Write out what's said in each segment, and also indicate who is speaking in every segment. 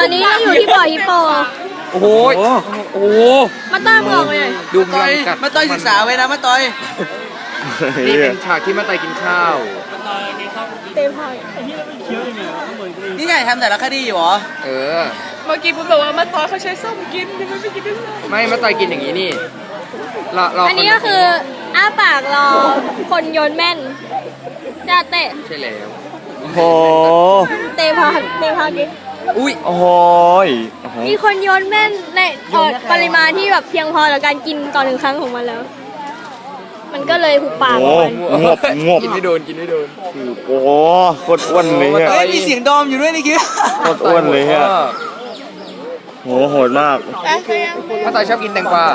Speaker 1: ตอนนี้เราอยู่ที่บ่อฮิปโป
Speaker 2: โอ้โหโอ้โห
Speaker 1: มาต้อนบอกเลย
Speaker 2: ดูพลังกัด
Speaker 3: มาต่อยศึกษาไว้นะมาต่อย
Speaker 2: นี่เป็นฉากที่มาไตกินข้าว
Speaker 1: เต็มพอย
Speaker 3: นี่ไงทำแต่ละคดีอยู่เหรอ
Speaker 2: เออ
Speaker 4: เมื่อกี้ผมบอกว่ามาตอนเขาใช้ส้มกินทำไมไม่กินด้วยส้ม
Speaker 2: ไม่มาไตกินอย่างนี้นี่เรา
Speaker 1: อันนี้ก็คืออ้าปากรอคนโยนแม่นจะเตะ
Speaker 2: ใช่แล้ว
Speaker 5: โอ้โห
Speaker 1: เตะพากิน
Speaker 2: อุ้ย
Speaker 5: โอ้โห
Speaker 1: มีคนโยนแม่นในปริมาณที่แบบเพียงพอต่อการกินต่อหนึ่งครั้งของมันแล้ว มันก็เลยหุบปาก
Speaker 5: โอ้
Speaker 1: มัน
Speaker 5: งบ
Speaker 2: กินไม่โดนกินไม่โดน
Speaker 5: โอ้โหโคตรอ้วนเลยเนี่ย
Speaker 3: เฮ้ยมีเสียงดอมอยู่ด้วยนี่คิด
Speaker 5: โคตรอ้วนเลยเนี่ยโหโหดมาก
Speaker 2: มาไตชอบกินแตงกวา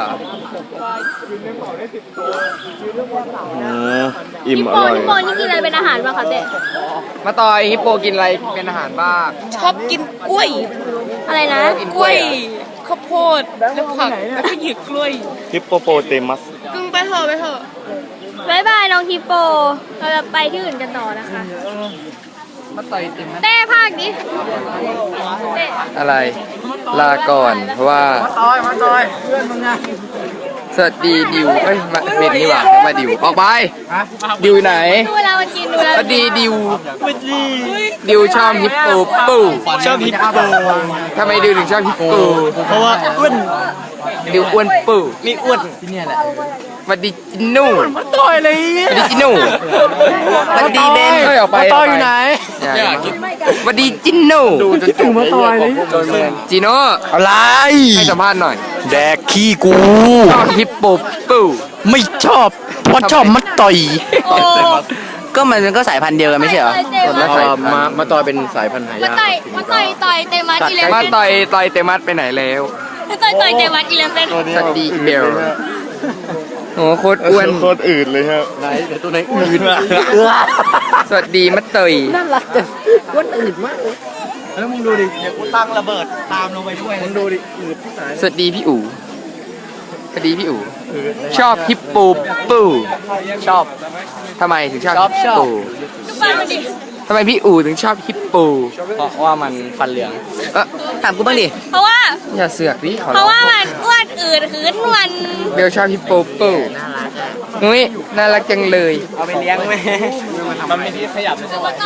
Speaker 5: อิ่ม
Speaker 1: ฮิป
Speaker 5: อ
Speaker 1: โป
Speaker 5: ร่อย
Speaker 1: ฮิปโปนี่กินอะไรเป็นอาหารบ้างคะเตะ
Speaker 2: มาตอยฮิปโปกินอะไรเป็นอาหารบ้าง
Speaker 4: ชอบกินกล้วย
Speaker 1: อะไรนะ
Speaker 4: กล้วยข้าวโพดแล้วผักแล้วก็หยิบกล้วย
Speaker 5: ฮิปโปโปเตมัส
Speaker 4: กึ่งไปเถอะไปเถอะ
Speaker 1: บ๊ายบายน้องฮิปโปเราจะไปที่อื่นกันต่อนะคะ
Speaker 2: มาตอยเต็ม
Speaker 1: เต้ภาคดิเต้
Speaker 2: อะไรลาก่อนเพราะว่า
Speaker 3: มาต่อยเพื่อนมึงไง
Speaker 2: สวัสดีดิวเอ้ยมาเบนนี่หว่ามาดิวออกไปดิวไหน
Speaker 1: ดูเวลามันกินดูเวลา
Speaker 2: สวัสดีดิวดิวชอบฮิปโปปู
Speaker 5: ชอบฮิปโป
Speaker 2: ทำไมดิวถึงชอบฮิปโป
Speaker 5: เพราะว่าอ้วน
Speaker 2: ดิวอ้วนปู
Speaker 5: มีอ้วน
Speaker 2: สวัสดีจินนู่ต่อยเลยสวัสดีจินนู่สวัสดีเบนออกไปต่อยอยู่ไหนสวัสดีจินนู่ดูจนจบมาต่อยเลยจิโน่
Speaker 5: อะไร
Speaker 2: ให้สัมภาษณ์หน่อย
Speaker 5: แดกขี้กู
Speaker 2: ชอบฮิปโปปู
Speaker 5: ไม่ชอบเพราะชอบมันต่อย
Speaker 1: โอ้
Speaker 3: ก็มันก็สายพันธุ์เดียวกันไม่ใช่เหรอ
Speaker 2: แล้วมาต่อยเป็นสายพันธุ์หายาก
Speaker 1: มาต่อยเตมัสอีเลฟ
Speaker 2: มา
Speaker 1: เว่น
Speaker 2: ต่อยเตมัสไปไหนแล้ว
Speaker 1: ต่อยเตมัสอีเลฟเว่น
Speaker 2: สวัสดีเบลโอ้โคตรอ้วน
Speaker 5: โคตรอืดเลยครับ
Speaker 2: สวัสดีมัตเตย
Speaker 3: แล้วมึงดูดิเดี๋ยวกูตั้งระเบิดตามลงไปด้วยมึงดูดิ
Speaker 2: สวัสดีพี่อู๋สวัสดีพี่อู๋ชอบฮิปโปปูชอบทำไมถึงชอบฮิปโป
Speaker 1: ดูฟันมันดิ
Speaker 2: ทำไมพี่อู๋ถึงชอบฮิปโป
Speaker 3: เพราะว่ามันฟันเหลือง
Speaker 2: เออ
Speaker 3: ถามกูบ้างดิ
Speaker 1: เพราะว่า
Speaker 2: อย่าเสือกดิขอ
Speaker 1: เพ
Speaker 2: ร้อ
Speaker 1: ราะ
Speaker 2: ง
Speaker 1: ว่ามันอ้วนอืดหืนมัน
Speaker 2: เบลชอบฮิปโปปูนุ้ยน่ารักจังเลย
Speaker 3: เอาไปเลี้ยงไหมมันไม่ที่ขยับเลยใช่ไหม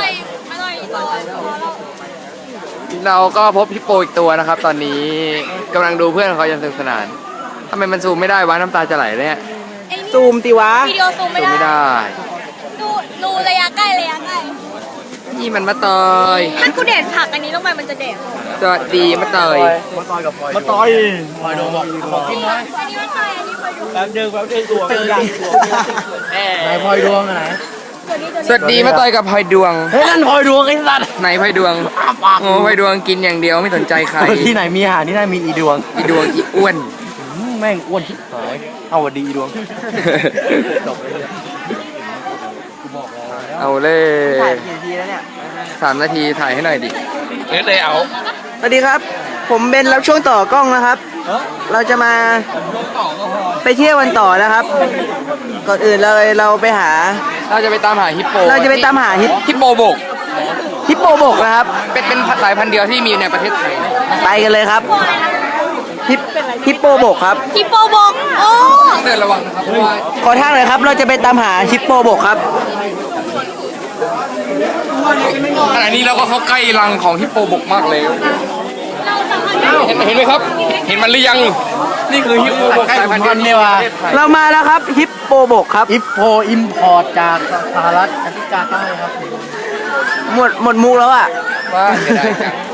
Speaker 2: เราก็พบฮิปโปอีกตัวนะครับ ตอนนี้กำลังดูเพื่อนของเขาอย่างสนุกสนานทำไมมันซูมไม่ได้วะน้ำตาจะไหลเลยเนี่ย
Speaker 3: ซูมติวะ
Speaker 1: วิดีโอซูม
Speaker 2: ซูมไม่
Speaker 1: ไม่ได้
Speaker 2: ได้
Speaker 1: ดูระยะใกล้
Speaker 2: นี่มันมาเตย
Speaker 1: ถ้ากูเด็ดผักอันนี้ลงไปมันจะเด็ด
Speaker 2: สวัสดีมาเตย
Speaker 5: มาต่อย
Speaker 1: อันนี้มันใครอันนี้ไปดู
Speaker 3: แป๊บเดิมตัวเป็นยังไหนพลอยดวงไหน
Speaker 2: สวัสดีมาเตยกับพลอยดวง
Speaker 3: เฮ้ยนั่นพลอยดวงไอ้สัตว์
Speaker 2: ไหนพลอยดวงโอ้พลอยดวงกินอย่างเดียวไม่สนใจใคร
Speaker 3: ที่ไหนมีอาหารที่นั่นมีอีดวง
Speaker 2: อีดวงอีอ้วน
Speaker 3: แม่งอ้วนชิบหายเอาวัดีอีดวง
Speaker 2: เอาเลย
Speaker 3: ถ่ายกี่นาทีแล้วเนี่ย
Speaker 2: 3 นาทีถ่ายให้หน่อยดิ
Speaker 3: สวัสดีครับ ผมเป็นรับช่วงต่อกล้องนะครับ เราจะมาไปเที่ยววันต่อนะครับ ก่อนอื่นเลยเราไปหา
Speaker 2: เราจะไปตามหาฮิปโป
Speaker 3: เราจะไปตามหา
Speaker 2: ฮิปโปบก
Speaker 3: ฮิปโปบกนะครับ
Speaker 2: เป็นสายพันธุ์เดียวที่มีในประเทศไทย
Speaker 3: ไปกันเลยครับฮิปโปบกครับ
Speaker 1: ฮิปโปบกโอ้
Speaker 2: เดินระวังนะครับเพราะว่า
Speaker 3: ขอทางหน่อยครับ เราจะไปตามหาฮิปโปบกครับ
Speaker 2: ขณะนี้เราก็เข้าใกล้รังของฮิปโปบกมากแล้ว
Speaker 1: เราสามารถ
Speaker 2: เห็นไหมครับ เห็นมันหรือยัง นี่คือฮิปโปบกสายพันธุ์เดียวที่มีในประเทศไทย
Speaker 3: เรามาแล้วครับฮิปโปบกครับ
Speaker 5: ฮิปโปอิมพอร์ตจากสหรัฐอเมริกาใต้ครับ
Speaker 3: หมดมุกแล้วอ่ะ
Speaker 2: ว่าเสียดายจัง